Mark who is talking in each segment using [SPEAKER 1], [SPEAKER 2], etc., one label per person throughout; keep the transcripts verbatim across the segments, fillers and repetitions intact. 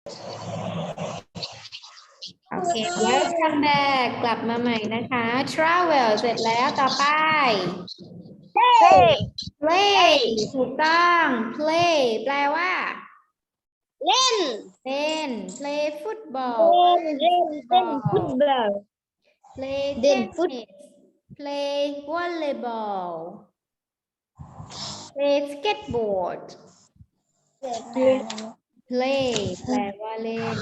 [SPEAKER 1] โอเค welcome back กลับมาใหม่นะคะ travel เสร็จแล้วต่อไป
[SPEAKER 2] play
[SPEAKER 1] play ถูกต้อง play แปลว่า
[SPEAKER 2] เล่น
[SPEAKER 1] เล่น play football
[SPEAKER 2] เล่นเล่นเล่นฟุตบอล
[SPEAKER 1] play
[SPEAKER 2] เล่นฟุต
[SPEAKER 1] tennis play volleyball play skateboard play แปลว่าเล่น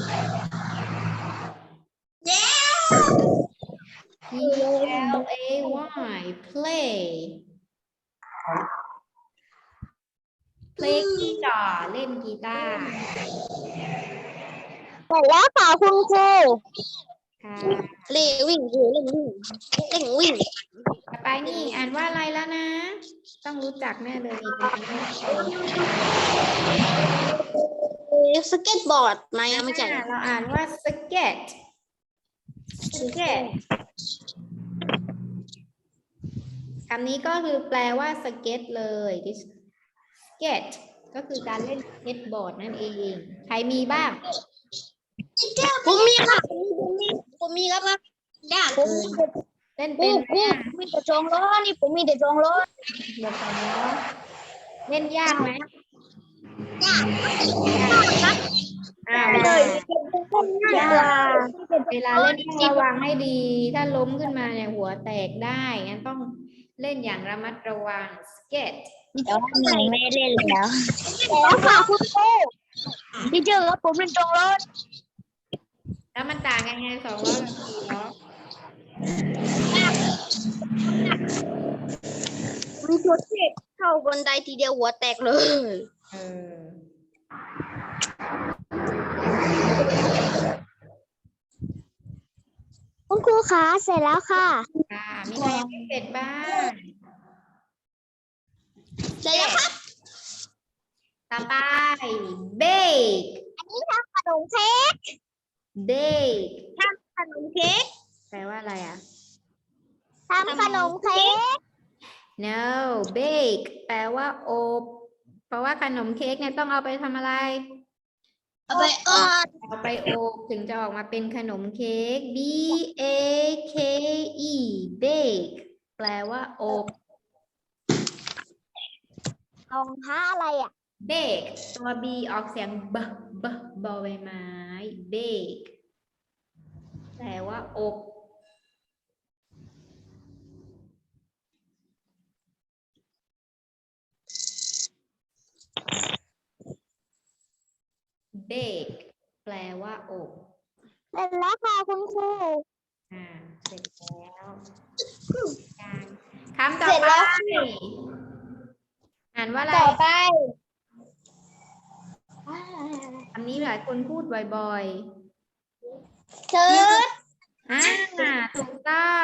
[SPEAKER 1] P L A Y play play กีตาร์เล่นกีตาร์
[SPEAKER 2] เสร็จแล้วค่ะคุณครู
[SPEAKER 1] ค่ะ
[SPEAKER 2] เล่นวิ่งเล่นวิ่งเล่นวิ่ง
[SPEAKER 1] ต่อไปนี่อ่านว่าอะไรแล้วนะ ต้องรู้จักแน่เลยนี่เป็นคำแรกเลย
[SPEAKER 2] สเก็ตบอร์ดมายังไม่ใช่
[SPEAKER 1] อ่าเราอ่านว่า skate skate คำนี้ก็คือแปลว่าสเก็ตเลย skate ก็คือการเล่นสเก็ตบอร์ดนั่นเอง ใครมีบ้าง
[SPEAKER 2] ผมมีค่ะผมมีผมมีครับครับยากผม
[SPEAKER 1] เล่น
[SPEAKER 2] ปู
[SPEAKER 1] เป็นไหม
[SPEAKER 2] ปู
[SPEAKER 1] อ่ะ
[SPEAKER 2] มีแต่จองล้อนี่ผมมีแต่จองล้อ
[SPEAKER 1] เดี๋ยวก่อนเนาะเล่นยากไหม
[SPEAKER 2] ยาก
[SPEAKER 1] ครับอ่า
[SPEAKER 2] เลยยากกว่า
[SPEAKER 1] เวลาเล่นต้องระวังให้ดี ถ้าล้มขึ้นมาเนี่ยหัวแตกได้งั้นต้องเล่นอย่างระมัดระวัง skate
[SPEAKER 2] แต่ว่าหนูไม่เล่นแล้วแล้วค่ะคุณครูพี่เจอครับผมเป็นจองล้อ
[SPEAKER 1] แล้วมันต่างกันไงสองล้อกับสี่ล้อ
[SPEAKER 2] มีตัวเทพเข้าบันไดทีเดียวหัวแตกเลย
[SPEAKER 1] เออ
[SPEAKER 2] คุณครูคะเสร็จแล้วค่ะ
[SPEAKER 1] ค่ะมีใครยังไม่เสร็จบ้าง
[SPEAKER 2] เสร็จแล้วครับ
[SPEAKER 1] ต่อไป bake
[SPEAKER 2] อันนี้ทำขนมเค้ก
[SPEAKER 1] bake
[SPEAKER 2] ทำขนมเค้ก
[SPEAKER 1] แปลว่าอะไรอ่ะ
[SPEAKER 2] ทำขนมเค้ก
[SPEAKER 1] no bake แปลว่าอบเพราะว่าขนมเค้กเนี่ยต้องเอาไปทำอะไร
[SPEAKER 2] เอาไปออด
[SPEAKER 1] เอาไปอบถึงจะออกมาเป็นขนมเค้ก b a k e bake แปลว่าอบ
[SPEAKER 2] รองเท้าอะไรอ่ะ
[SPEAKER 1] bake ตัว b ออกเสียงb b บอใบไม้ bake แปลว่าอบ bake แปลว่าอบ
[SPEAKER 2] เสร็จแล้วค่ะคุณครู
[SPEAKER 1] อ่าเสร็จแล้วการคำต่อ
[SPEAKER 2] เสร็จ
[SPEAKER 1] ไป
[SPEAKER 2] แล้ว
[SPEAKER 1] อ่านว่าอะไร
[SPEAKER 2] ต่อไป
[SPEAKER 1] คำนี้หลายคนพูดบ่อย
[SPEAKER 2] เชิญ
[SPEAKER 1] ๆ อ่า ถูกต้อง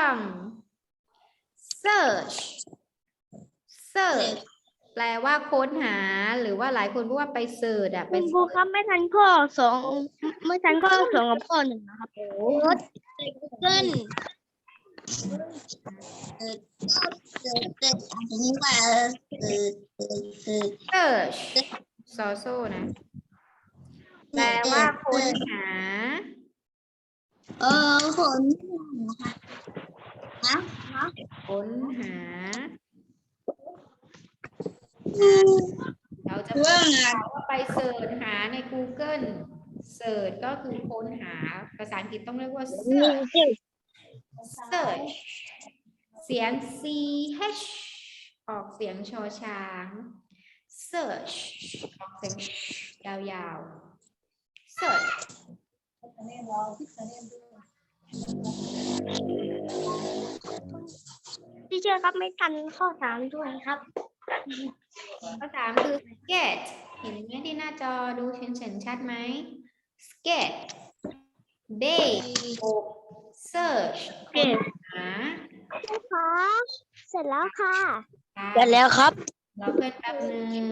[SPEAKER 1] search search แปลว่าค้นหา หรือว่าหลายคนพูดว่าไปเสิร์ชอะไป
[SPEAKER 2] คุณครูครับไม่ทันข้อสองไม่ทันข้อสองกับข้อหนึ่งนะครับรถเกินเออเออเอออันนี้ว่าเออเออเออ
[SPEAKER 1] search ซอโซนะ แปลว่าค้นหา
[SPEAKER 2] เออคนนะ
[SPEAKER 1] ค้นหา เราจะพูดว่าไปเสิร์ชหาใน Google เสิร์ชก็คือค้นหา ภาษาอังกฤษต้องเรียกว่า search search เสียง ch ออกเสียงชอช้าง search ออกเสียงยาวๆ search
[SPEAKER 2] พี่เชื่อครับไม่ทันข้อสามด้วยครับ
[SPEAKER 1] ข้อสามคือ skate เห็นไหมที่หน้าจอดูเห็นชัดไหม skate bake search ค้นหา
[SPEAKER 2] ค่ะเสร็จแล้วค่ะ
[SPEAKER 1] ค่ะ
[SPEAKER 2] เสร็จแล้วครับ
[SPEAKER 1] เราเพื่อนแป๊บนึง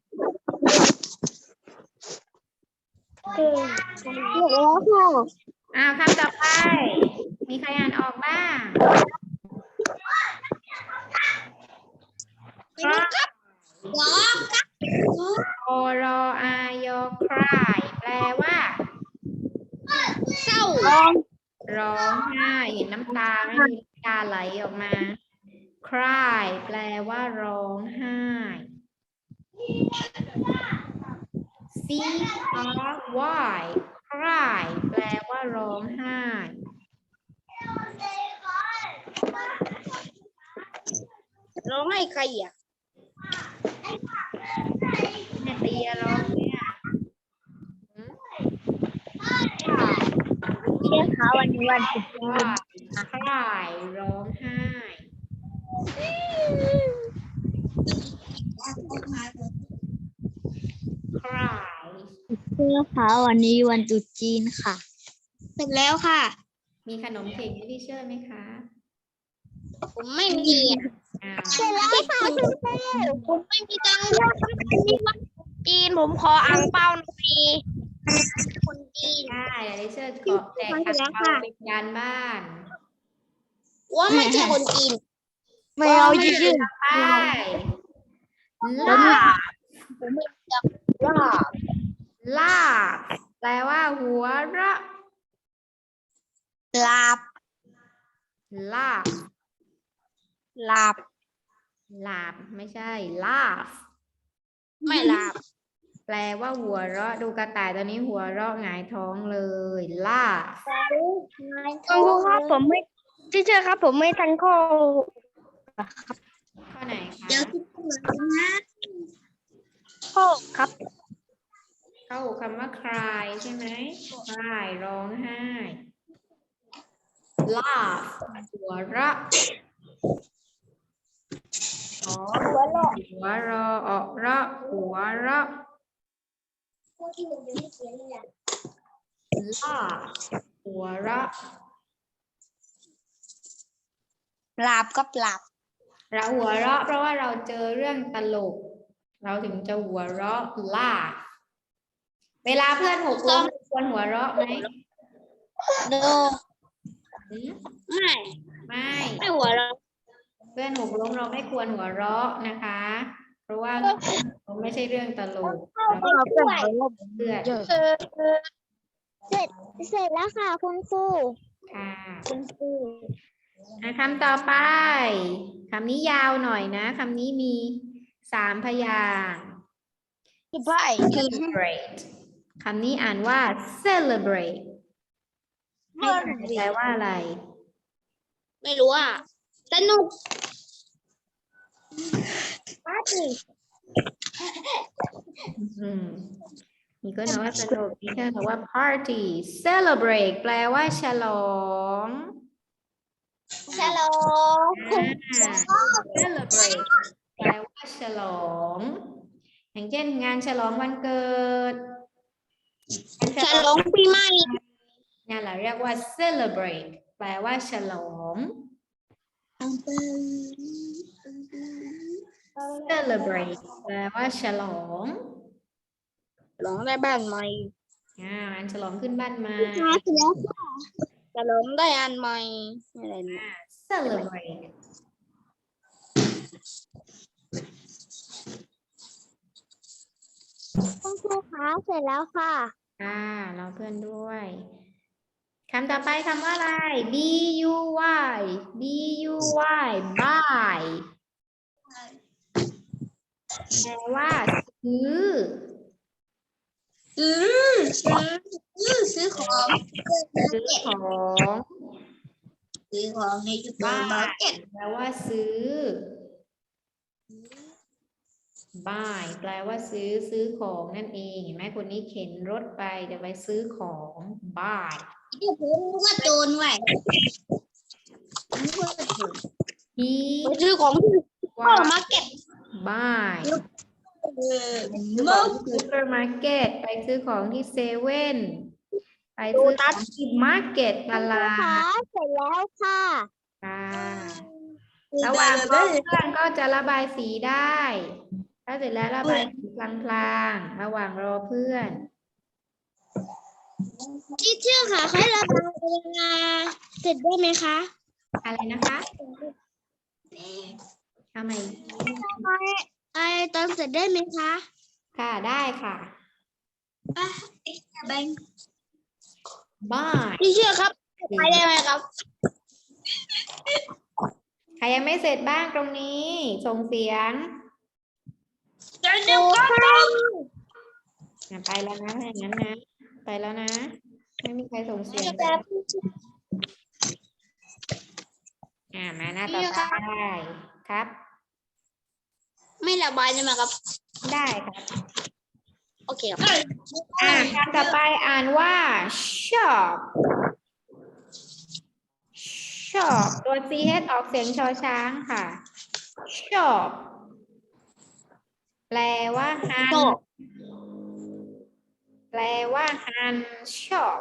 [SPEAKER 2] เสร็จแล้วค่ะ
[SPEAKER 1] อ้าวคำต่อไป มีใครอ่านออกบ้าง
[SPEAKER 2] ครับ
[SPEAKER 1] โอรออายอ cry แปลว่า
[SPEAKER 2] ร้อง
[SPEAKER 1] ร้องไห้เห็นน้ำตาไหมมีน้ำตาไหลออกมา cry แปลว่าร้องไห้ c r y cry แปลว่าร้องไห้
[SPEAKER 2] ร้องให้ใครอ่ะ
[SPEAKER 1] แม่เตียร้องเนี่ยหืม
[SPEAKER 2] เชื่อเขาวันนี้วันศุกร์
[SPEAKER 1] cry ร้องไห้ cry
[SPEAKER 2] เชื่อเขาวันนี้วันตรุษจีนค่ะเสร็จแล้วค่ะ
[SPEAKER 1] มีขนมเค้กให้พี่เชื่อไหมคะ
[SPEAKER 2] ผมไม่มีอ่ะ
[SPEAKER 1] อ้าว
[SPEAKER 2] เสร็จแล้วค่ะผมไม่มีตังค์ด้วยวันนี้วันจีนผมขออ่างเปาหน่อยคนจีน
[SPEAKER 1] ได้เดี๋ยวดิเชอร์ขอแจกขันเปาเป็นการบ้าน
[SPEAKER 2] ว่าไม่ใช่คนจีนไม่เอาจริง
[SPEAKER 1] ไปลาบ
[SPEAKER 2] ผมไม่อยากว่า
[SPEAKER 1] ลาบแปลว่าหัวเราะ
[SPEAKER 2] หลับ
[SPEAKER 1] ลาบ
[SPEAKER 2] หลับ
[SPEAKER 1] ลาบไม่ใช่ลาบ
[SPEAKER 2] ไม่หลับ
[SPEAKER 1] แปลว่าหัวเราะดูกระต่ายตัวนี้หัวเราะหงายท้องเลยลาบ
[SPEAKER 2] คุณครูครับผมไม่ที่เชื่อครับ ผมไม่ทันข้อ
[SPEAKER 1] ข้อไหนคะ
[SPEAKER 2] เดี๋ยวที่พูดนะข้อครับ
[SPEAKER 1] เข้าคำว่า cry ใช่ไหม cry ร้องไห้ laugh หัวเราะอ๋อหัวเราะหัวเราะออกเราะหัวเราะ laugh หัวเราะ
[SPEAKER 2] หลับก็หลับ
[SPEAKER 1] เราหัวเราะเพราะว่าเราเจอเรื่องตลก เราถึงจะหัวเราะ laugh เวลาเพื่อนหกล้มควรหัวเราะไหม
[SPEAKER 2] โน
[SPEAKER 1] หืม
[SPEAKER 2] ไม่
[SPEAKER 1] ไม่
[SPEAKER 2] ไม่หัวเราะ
[SPEAKER 1] เพื่อนหกล้มเราไม่ควรหัวเราะนะคะ เพราะว่าไม่ใช่เรื่องตลกเราเพื่อน
[SPEAKER 2] เสร็จเสร็จแล้วค่ะคุณครู
[SPEAKER 1] ค่ะ
[SPEAKER 2] คุณครู
[SPEAKER 1] อ่ะคำต่อไปคำนี้ยาวหน่อยนะคำนี้มีสามพยางค์
[SPEAKER 2] ไป
[SPEAKER 1] celebrate คำนี้อ่านว่า celebrate ให้อ่านแปลว่าอะไร
[SPEAKER 2] ไม่รู้อ่ะสนุกปาร์ตี้
[SPEAKER 1] อืมมีคนบอกว่าสนุกมีคนบอกว่า party celebrate แปลว่าฉลอง
[SPEAKER 2] ฉลอง
[SPEAKER 1] อ่า celebrate แปลว่าฉลอง อย่างเช่นงานฉลองวันเกิด
[SPEAKER 2] ฉลองปีใหม่
[SPEAKER 1] นั่นแหละเรียกว่า celebrate แปลว่าฉลอง celebrate แปลว่าฉลอง
[SPEAKER 2] ฉลองได้บ้านใหม่
[SPEAKER 1] อ่างานฉลองขึ้นบ้านใหม่
[SPEAKER 2] ค่ะเสร็จแล้วค่ะฉลองได้อันใหม่อะไรนะ
[SPEAKER 1] celebrate
[SPEAKER 2] คุณครูคะเสร็จแล้วค่ะ
[SPEAKER 1] อ่าเราเพื่อนด้วยคำต่อไปคำว่าอะไร b u y b u y buy แปลว่าซื้อ
[SPEAKER 2] ซื้อซื้อซื้อซื้อของ
[SPEAKER 1] ซื้อของ
[SPEAKER 2] ซื้อของในจุด
[SPEAKER 1] บ้า
[SPEAKER 2] มาร์เก็ต
[SPEAKER 1] แปลว่าซื้อ buy แปลว่าซื้อซื้อของนั่นเองเห็นไหมคนนี้เข็นรถไปจะไปซื้อของ buy
[SPEAKER 2] เดี๋ยวผมนึกว่าโจรไว้นึกว่าโจร
[SPEAKER 1] he
[SPEAKER 2] ไปซื้อของที่ซุปเปอ
[SPEAKER 1] was
[SPEAKER 2] ร์มาร์เก็ต
[SPEAKER 1] buy
[SPEAKER 2] เออ
[SPEAKER 1] ซื้อของที่ซูเปอร์มาร์เก็ตไปซื้อของที่เซเว่นไปซื้อของที่มาร์เก็ตตลาด
[SPEAKER 2] เสร็จแล้วค่ะ
[SPEAKER 1] ค่ะระหว่างรอเพื่อนก็จะระบายสีได้ ถ้าเสร็จแล้วระบายสีพลางๆระหว่างรอเพื่อน
[SPEAKER 2] ที่เชื่อค่ะให้ระบายเวลาเสร็จได้ไหมคะ
[SPEAKER 1] อะไรนะคะทำไม
[SPEAKER 2] ไอตอนเสร็จได้ไหมคะ
[SPEAKER 1] ค่ะได้ค่ะ
[SPEAKER 2] อ่ะแบง
[SPEAKER 1] buy
[SPEAKER 2] พี่เชื่อครับไปได้ไหมครับ
[SPEAKER 1] ใครยังไม่เสร็จบ้างตรงนี้ ส่งเสียง
[SPEAKER 2] เดี๋ยวเดี๋ยวก็ไป
[SPEAKER 1] อ่ะไปแล้วนะถ้าอย่างนั้นนะ ไปแล้วนะ ไม่มีใครส่งเสียง
[SPEAKER 2] แต่
[SPEAKER 1] อ่ามาหน้าต่อไปครับ
[SPEAKER 2] ไม่ระบายได้ไหมครับ
[SPEAKER 1] ได้ครับ
[SPEAKER 2] โอเคครับ
[SPEAKER 1] อ่าคำต่อไปอ่านว่า shop shop ตัว ch ออกเสียงชอช้างค่ะ shop แปลว่าหัน
[SPEAKER 2] shop
[SPEAKER 1] แปลว่าหัน shop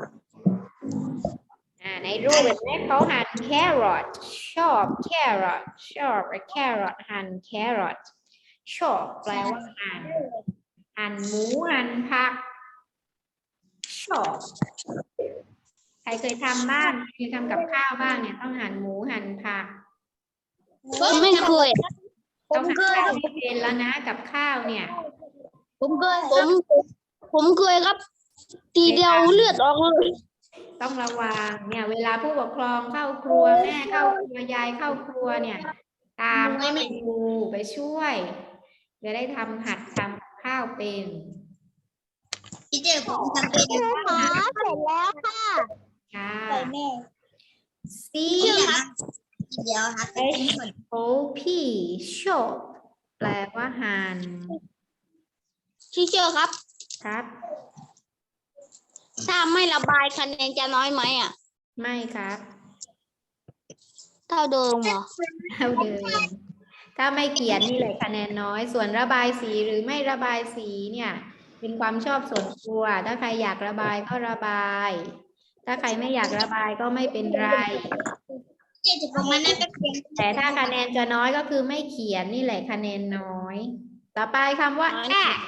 [SPEAKER 1] อ่าในรูปแบบนี้เขาหั่น carrot shop carrot shop carrot หั่น carrot shop แปลว่าหั่นหั่นหมูหั่นผัก shop ใครเคยทำบ้างเคยทำกับข้าวบ้างเนี่ยต้องหั่นหมูหั่นผัก
[SPEAKER 2] ผมไม่เคย
[SPEAKER 1] ต้องหั่นข้าวไม่เป็นแล้วนะกับข้าวเนี่ย
[SPEAKER 2] ผมเคยผมผมเคยครับ ทีเดียวเลือดออกเลย
[SPEAKER 1] ต้องระวังเนี่ยเวลาผู้ปกครองเข้าครัวแม่เข้าครัวยายเข้าครัวเนี่ย ตามเข้าไปดูไปช่วยจะได้ทำหัดทำกับข้าวเป็น
[SPEAKER 2] พี่เจผมทำเป็นค่ะเสร็จแล้วค่ะ
[SPEAKER 1] ค่ะ
[SPEAKER 2] แม่
[SPEAKER 1] C
[SPEAKER 2] เดียวค่ะ
[SPEAKER 1] H O P shop แปลว่าหั่น
[SPEAKER 2] พี่เชื่อครับ
[SPEAKER 1] ครับ
[SPEAKER 2] ถ้าไม่ระบายคะแนนจะน้อยไหมอ่ะ
[SPEAKER 1] ไม่ครับ
[SPEAKER 2] เท่าเดิมเหรอ
[SPEAKER 1] เท่าเดิมถ้าไม่เขียนนี่เลยคะแนนน้อย ส่วนระบายสีหรือไม่ระบายสีเนี่ย เป็นความชอบส่วนตัว ถ้าใครอยากระบายก็ระบาย ถ้าใครไม่อยากระบายก็ไม่เป็นไร
[SPEAKER 2] เจ็ดสิบประมาณนั้นก็เพียง
[SPEAKER 1] แต่ถ้าคะแนนจะน้อยก็คือไม่เขียนนี่แหละคะแนนน้อย ต่อไปคำว่า act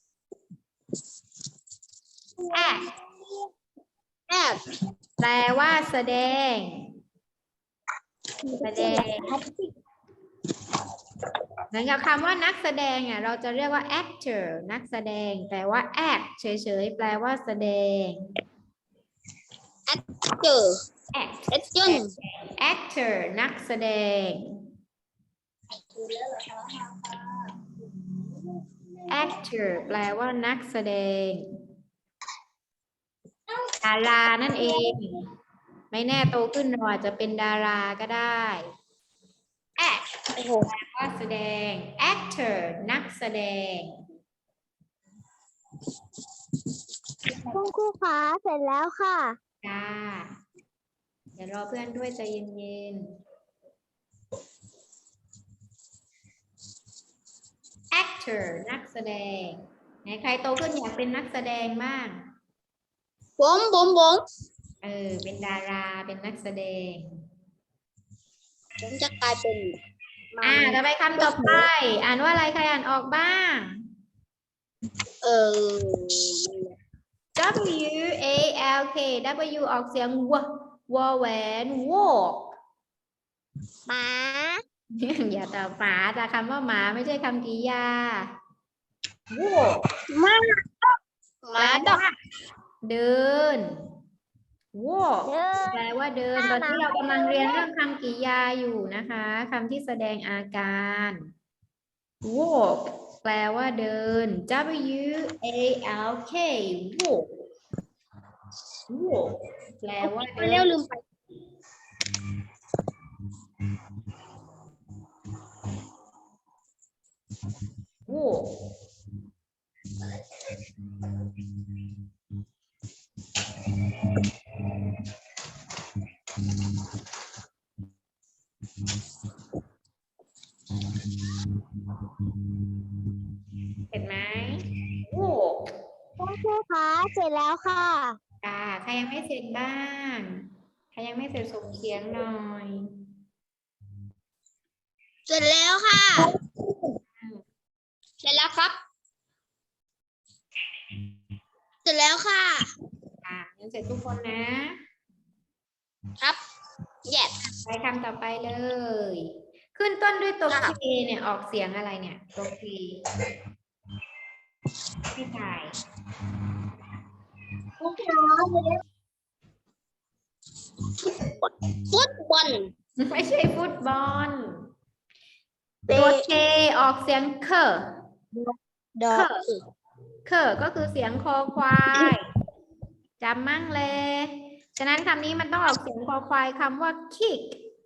[SPEAKER 1] act
[SPEAKER 2] แอบ
[SPEAKER 1] แปลว่าแสดง แสดงเหมือนกับคำว่านักแสดงอ่ะเราจะเรียกว่า actor นักแสดง แต่ว่า act เฉยๆ แปลว่าแสดง
[SPEAKER 2] เจอ
[SPEAKER 1] act
[SPEAKER 2] เอ็ดจุน
[SPEAKER 1] actor นักแสดง actor แปลว่านักแสดง ดารานั่นเอง ไม่แน่โตขึ้นเราอาจจะเป็นดาราก็ได้ act
[SPEAKER 2] โอ้โห
[SPEAKER 1] แปลว่าแสดง actor นักแสดง
[SPEAKER 2] คุณครูคะเสร็จแล้วค่ะ
[SPEAKER 1] จ้า เดี๋ยวรอเพื่อนด้วยใจเย็นๆ actor นักแสดง ไหนใครโตขึ้นอยากเป็นนักแสดงบ้าง
[SPEAKER 2] ผมผมผม
[SPEAKER 1] เออ เป็นดารา เป็นนักแสดง
[SPEAKER 2] ผมจะกลายเป็น
[SPEAKER 1] อ่าต่อไปคำต่อไป อ่านว่าอะไรใครอ่านออกบ้าง
[SPEAKER 2] เออ
[SPEAKER 1] W A L K W ออกเสียงววอแหวน walk
[SPEAKER 2] หมา
[SPEAKER 1] อย่าตอบหมาแต่คำว่าหมาไม่ใช่คำกริยา walk
[SPEAKER 2] หมาหมาดอก
[SPEAKER 1] เดิน walk แปลว่าเดิน ตอนนี้เรากำลังเรียนเรื่องคำกริยาอยู่นะคะคำที่แสดงอาการ walk แปลว่าเดิน W A L K walk walk แปลว่า
[SPEAKER 2] ไป
[SPEAKER 1] เดิ
[SPEAKER 2] เร็วน ลืมไป
[SPEAKER 1] walk เห็นไหม walk
[SPEAKER 2] คุณครูคะเสร็จแล้วค่ะ
[SPEAKER 1] อ่าใครยังไม่เสร็จบ้าง ใครยังไม่เสร็จส่งเสียงหน่อย
[SPEAKER 2] เสร็จแล้วค่ะ เสร็จแล้วครับ เสร็จแล้วค่ะ
[SPEAKER 1] อ่ายังเสร็จทุกคนนะ
[SPEAKER 2] ครับ yes
[SPEAKER 1] ไปคำต่อไปเลย ขึ้นต้นด้วยตัว
[SPEAKER 2] ค่ะ
[SPEAKER 1] K เนี่ยออกเสียงอะไรเนี่ย ตัว K ไม่ถ่าย
[SPEAKER 2] ฟุตบอล
[SPEAKER 1] ไม่ใช่ฟุตบอล ตัวเคออกเสียงเคอ
[SPEAKER 2] ดอ
[SPEAKER 1] เคอเคอก็คือเสียงคอควายจำมั่งเลย ฉะนั้นคำนี้มันต้องออกเสียงคอควายคำว่า kick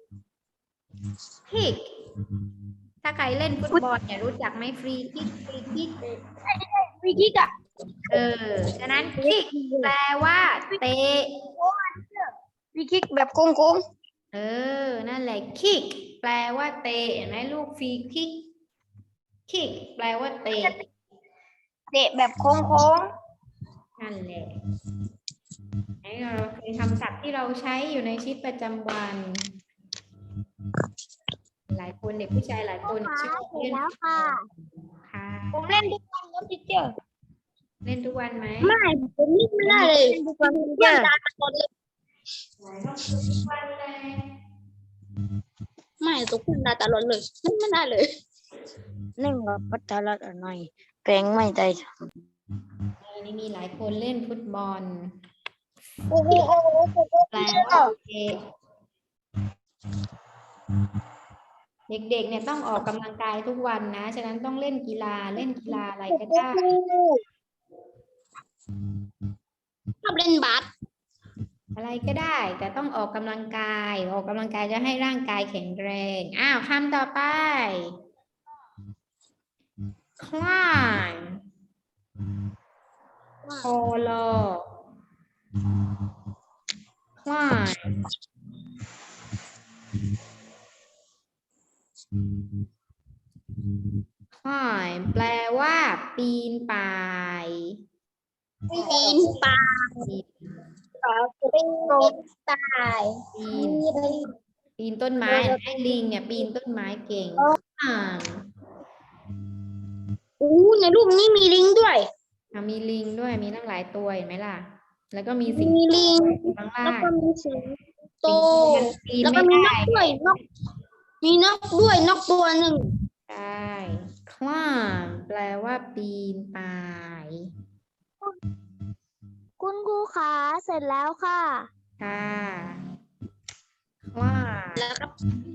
[SPEAKER 1] kick ถ้าใครเล่นฟุตบอลเนี่ยรู้จักไหมฟรีคิกฟรีคิก
[SPEAKER 2] ฟรีคิกอะ
[SPEAKER 1] เออ ฉะนั้น kick แปลว่าเตะ
[SPEAKER 2] ฟรีคิกแบบโกง
[SPEAKER 1] เออ นั่นแหละ kick แปลว่าเตะเห็นไหมลูกฟรีคิก kick แปลว่าเตะ
[SPEAKER 2] ๆเตะแบบโค้ง
[SPEAKER 1] นั่นแหละไอ้เราเคยคำศัพท์ที่เราใช้อยู่ในชีวิตประจำวัน หลายคนเด็กผู้ชายหลายคนชอบเล่นค่ะ
[SPEAKER 2] ๆผมเล่นทุกวันครับพี่เจ้า
[SPEAKER 1] เล่นทุกวันไหม
[SPEAKER 2] ไม่ผมเล่นไม่ได้เลยทุกวันเพื่อนตาตลอดเลย
[SPEAKER 1] ทุกวันเลย
[SPEAKER 2] ไม่ทุกคนตาตลอดเลยเล่นไม่ได้เลยเล่นกับพัฒนาหน่อยแปลงไม่ได้
[SPEAKER 1] เออนี่มีหลายคนเล่นฟุตบอล
[SPEAKER 2] โอ้โห
[SPEAKER 1] แปลว่าเตะเด็กๆเนี่ยต้องออกกำลังกายทุกวันนะ ฉะนั้นต้องเล่นกีฬาเล่นกีฬาอะไรก็ได้
[SPEAKER 2] ชอบเล่นบาส
[SPEAKER 1] อะไรก็ได้ แต่ต้องออกกำลังกาย ออกกำลังกายจะให้ร่างกายแข็งแรง อ้าวคำต่อไป climb โคโล climb climb แปลว่า ปีนป่าย
[SPEAKER 2] ปีนป่ายเป็นนกตาย
[SPEAKER 1] ปีน ปีนต้นไม้ไอ้ลิงเนี่ยปีนต้นไม้เก่งอ่า
[SPEAKER 2] อู้ในรูปนี้มีลิงด้วย
[SPEAKER 1] อ่ะมีลิงด้วยมีตั้งหลายตัวเห็นไหมล่ะ แล้วก็มีสิ่ง
[SPEAKER 2] มีลิง
[SPEAKER 1] ข้าง
[SPEAKER 2] แล้
[SPEAKER 1] ล่าว ง
[SPEAKER 2] ก็มีสิงโต
[SPEAKER 1] ปีน
[SPEAKER 2] แล้วก็
[SPEAKER 1] ไม่
[SPEAKER 2] มีน
[SPEAKER 1] ได้
[SPEAKER 2] กด้วยนกมีนกด้วยนกตัวหนึ่ง
[SPEAKER 1] ใช่ climb แปลว่าปีนป่าย
[SPEAKER 2] คุณครูขาเสร็จแล้วค่ะ
[SPEAKER 1] ค่ะ climb
[SPEAKER 2] แล้วก็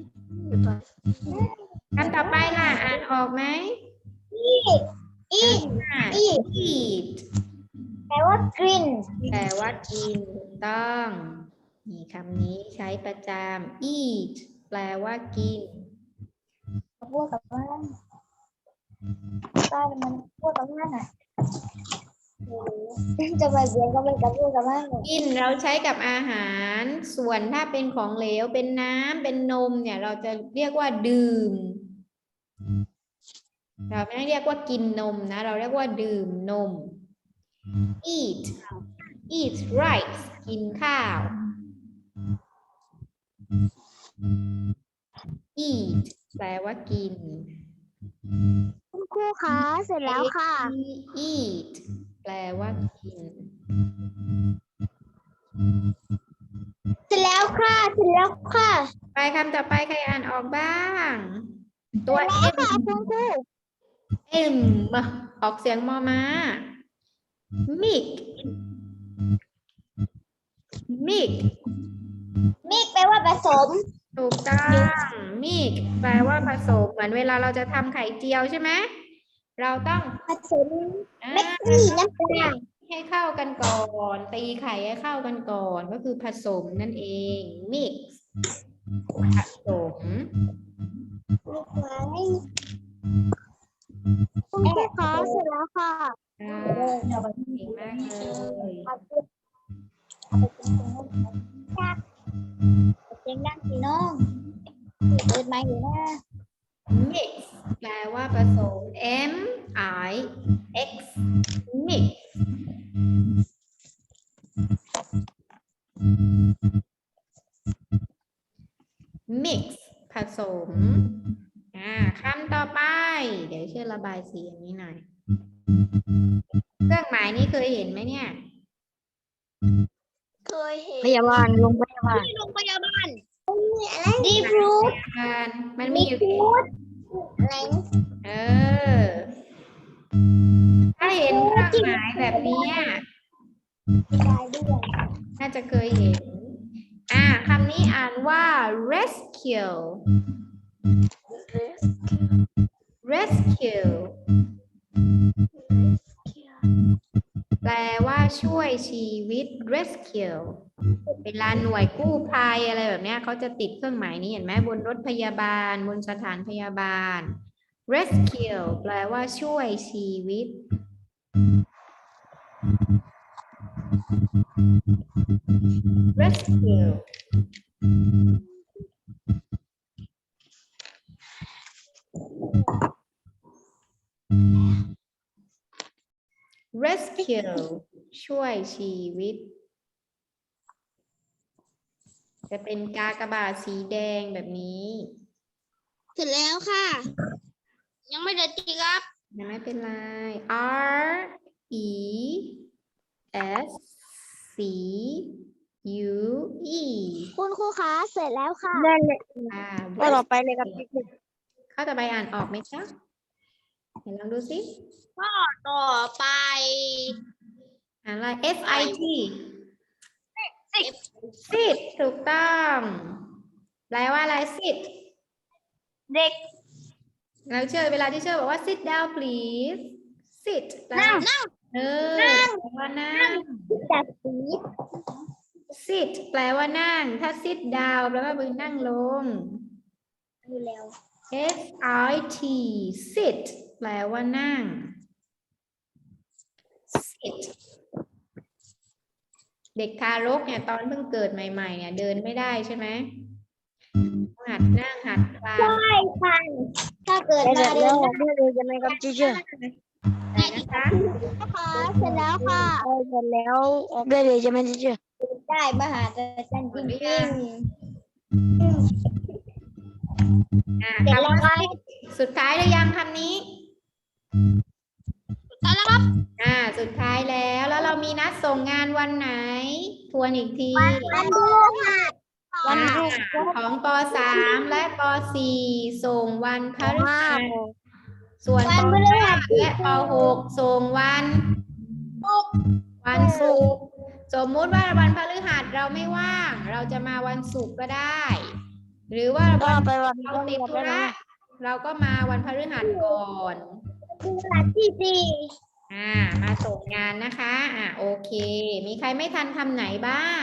[SPEAKER 1] คำต่อไปล่ะ อ่านออกไหม
[SPEAKER 2] อีก อีก
[SPEAKER 1] eat
[SPEAKER 2] แปลว่ากิน
[SPEAKER 1] แปลว่ากินถูกต้องนี่คำนี้ใช้ประจำ eat แปลว่ากิน
[SPEAKER 2] พูดกับบ้านบ้านมันพูดกับบ้านอ่ะจะมาเสียงก็ไม่กับพูดกับบ้าน
[SPEAKER 1] กินเราใช้กับอาหาร ส่วนถ้าเป็นของเหลวเป็นน้ำเป็นนมเนี่ยเราจะเรียกว่าดื่ม เราไม่ได้เรียกว่ากินนมนะ เราเรียกว่าดื่มนม eat eat rice กินข้าว eat แปลว่ากิน
[SPEAKER 2] คุณครูขาเสร็จแล้วค่ะ
[SPEAKER 1] eat แปลว่ากิน
[SPEAKER 2] เสร็จแล้วค่ะ เสร็จแล้วค่ะ
[SPEAKER 1] ไปคำต่อไปใครอ่านออกบ้าง ตัว
[SPEAKER 2] แล้ว
[SPEAKER 1] M
[SPEAKER 2] ค่ะคุณครู
[SPEAKER 1] M ออกเสียงมอม้า milk milk
[SPEAKER 2] มิกแปลว่าผสม
[SPEAKER 1] ถูกต้อง milk แปลว่าผสมเหมือนเวลาเราจะทำไข่เจียวใช่ไหมเราต้อง
[SPEAKER 2] ผสม
[SPEAKER 1] อ่า
[SPEAKER 2] เม็ดนี่น้ำตาล
[SPEAKER 1] ให้เข้ากันก่อนตีไข่ให้เข้ากันก่อนก็คือผสมนั่นเอง mix ผสม
[SPEAKER 2] คุณครูขาเสร็จแล้วค่ะ
[SPEAKER 1] อ่าเก่งมากเลย
[SPEAKER 2] เสียงดังสิน้องเปิดไมค์อยู่นะ
[SPEAKER 1] mix แปลว่าผสม M I X mix mix ผสมอ่าคำต่อไป เดี๋ยวช่วยระบายสีอย่างนี้หน่อย เครื่องหมายนี้เคยเห็นไหมเนี่ย
[SPEAKER 2] เคยเห็นพยาบาลโรงพยาบาลโรงพยาบาลดีฟรูท
[SPEAKER 1] มันมันมีอยู่
[SPEAKER 2] อะไร
[SPEAKER 1] เออ ถ้าเห็นเครื่องหมายแบบเนี้ยน่าจะเคยเห็น อ่าคำนี้ว่า rescue rescue แปลว่าช่วยชีวิต rescue เวลาหน่วยกู้ภัยอะไรแบบเนี้ยเขาจะติดเครื่องหมายนี้เห็นไหมบนรถพยาบาลบนสถานพยาบาล rescue แปลว่าช่วยชีวิต rescue rescue ช่วยชีวิตจะเป็นกากบาทสีแดงแบบนี้
[SPEAKER 2] เสร็จแล้วค่ะ ยังไม่ได้ตีครับ
[SPEAKER 1] ยังไม่เป็นไร R E S C U E
[SPEAKER 2] คุณครูคะเสร็จแล้วค่ะได้เลย
[SPEAKER 1] อ่า
[SPEAKER 2] ก็ต่อไปเลยครับ
[SPEAKER 1] ข้อต่อไปอ่านออกไหมจ๊ะเดี๋ยวลองดูสิ
[SPEAKER 2] ข้อต่อไป
[SPEAKER 1] อ่านอะไร F I T sit ถูกต้องแปลว่าอะไร sit
[SPEAKER 2] เด็ก
[SPEAKER 1] เราเชื่อเวลาที่เชื่อบอกว่า sit down please sit แปล
[SPEAKER 2] นั่ง
[SPEAKER 1] ว่า
[SPEAKER 2] นั่ง
[SPEAKER 1] เออ
[SPEAKER 2] นั่ง
[SPEAKER 1] แปลว่านั่ง
[SPEAKER 2] จัดสี
[SPEAKER 1] sit แปลว่านั่ง ถ้า sit down แปลว่ามือนั่งลง
[SPEAKER 2] ดูแล้ว
[SPEAKER 1] S I T sit แปลว่านั่ง sit เด็กทารกเนี่ยตอนเพิ่งเกิดใหม่ๆเนี่ยเดินไม่ได้ใช่ไหมหัดนั่งหัดคลาน
[SPEAKER 2] ใช่ค่ะถ้าเกิดมาเดินได้เลยใช่ไหมครับจีเจอร์
[SPEAKER 1] ไหนนะคะ
[SPEAKER 2] นะคะเสร็จแล้วค่ะเสร็จแล้วออกได้เลยใช่ไหมจีเจอร์ได้มหาจารย์จริง
[SPEAKER 1] อ่าคำว่า sit สุดท้ายหรือยังคำนี้
[SPEAKER 2] ๆแล้วครับ
[SPEAKER 1] อ่า สุดท้ายแล้ว แล้วเรามีนัดส่งงานวันไหน ทวนอีกที
[SPEAKER 2] วันดูค่ะ
[SPEAKER 1] อ่าของป สาม และป สี่ ส่งวันพฤหัส ส่วนป ห้า และป หก ส่งวัน วันศุกร์ สมมุติว่าวันพฤหัสเราไม่ว่าง เราจะมาวันศุกร์ก็ได้ หรือว่า
[SPEAKER 2] ก็
[SPEAKER 1] วัน
[SPEAKER 2] ไปวัน
[SPEAKER 1] เราติดธุระเราก็มาวันพฤหัสก่อน
[SPEAKER 2] ที่สี่
[SPEAKER 1] อ่า มาส่งงานนะคะ อ่าโอเค มีใครไม่ทันทำไหนบ้าง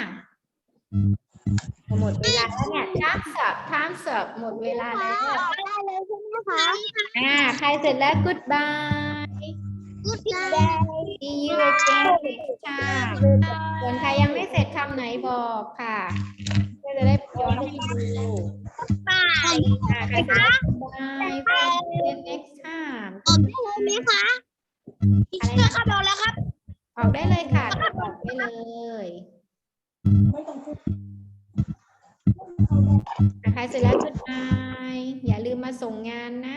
[SPEAKER 1] หมดเวลาแล้วเนี่ย time's up time's up หมดเวลาแล้ว
[SPEAKER 2] ได้เลยใช่ไหมคะ
[SPEAKER 1] อ่า ใครเสร็จแล้ว goodbye
[SPEAKER 2] Good day
[SPEAKER 1] see you again next time ส่วนใครยังไม่เสร็จคำไหนบอกค่ะเพื่อจะได้ย้อนไปดู
[SPEAKER 2] บาย
[SPEAKER 1] อ่า ใครเสร็จแล้ว goodbye see you next time
[SPEAKER 2] ออกได้เลยไหมคะอีกเชื่อค่ะบอกแล้วครับ
[SPEAKER 1] ออกได้เลยค่ะออกได้เลยอ่ะใครเสร็จแล้ว goodbye อย่าลืมมาส่งงานนะ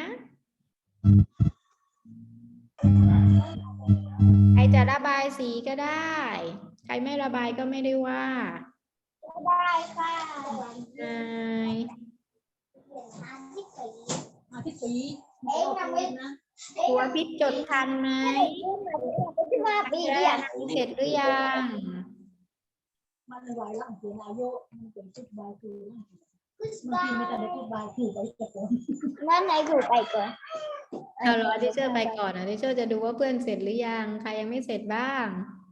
[SPEAKER 1] ใครจะระบายสีก็ได้ ใครไม่ระบายก็ไม่ได้ว่า
[SPEAKER 2] ได้ค่ะ
[SPEAKER 1] นาย
[SPEAKER 3] พี่สี
[SPEAKER 2] เอ๊ะทำไม
[SPEAKER 1] ครูอภิษจดทันไหม
[SPEAKER 2] ที่มาปี
[SPEAKER 1] ได้
[SPEAKER 2] เนี่ย
[SPEAKER 1] เสร็จหรือยัง
[SPEAKER 3] มันไหวหลังเป็นอายุมันเป็นชุดใบคือบางทีไม่แต่ได้ชุดใบคือไปตะโกน
[SPEAKER 2] นั่นไหนถูกไปก่อน
[SPEAKER 1] เอารอทิเชอร์ไปก่อนนะทิเชอร์จะดูว่าเพื่อนเสร็จหรือยัง ใครยังไม่เสร็จบ้าง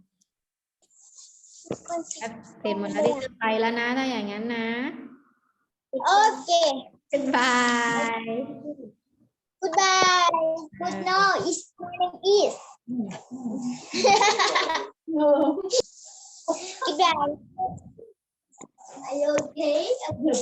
[SPEAKER 1] เสร็จหมดแล้วทิเชอร์ไปแล้วนะ ถ้าอย่างนั้นนะ
[SPEAKER 2] โอเค
[SPEAKER 1] goodbye
[SPEAKER 2] goodbye good no is my name is goodbye are you okay